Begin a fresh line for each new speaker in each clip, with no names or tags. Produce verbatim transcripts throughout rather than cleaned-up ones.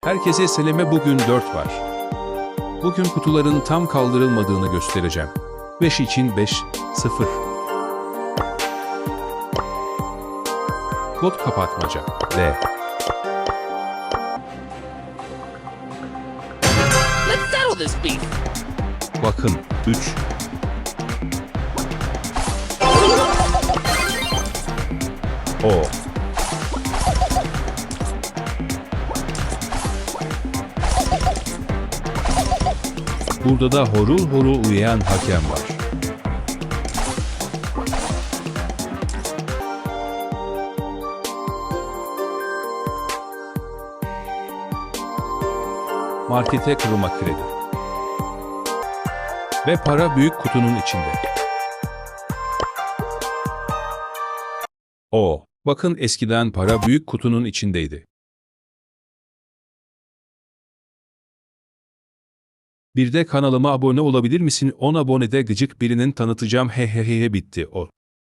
Herkese seleme, bugün dört var. Bugün kutuların tam kaldırılmadığını göstereceğim. beş için beş, sıfır. Kod kapatmaca, D.
Let's settle this beef.
Bakın, üç. O. Burada da horul horul uyuyan hakem var. Markete kırılma kredi. Ve para büyük kutunun içinde. O. Bakın, eskiden para büyük kutunun içindeydi. Bir de kanalıma abone olabilir misin? on abonede gıcık birinin tanıtacağım, hehehehe, bitti o.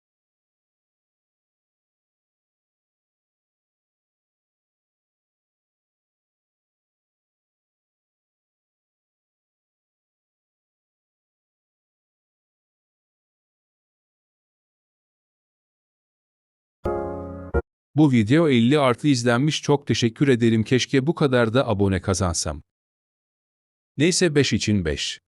Bu video elli artı izlenmiş, çok teşekkür ederim, keşke bu kadar da abone kazansam. Neyse, beş için beş.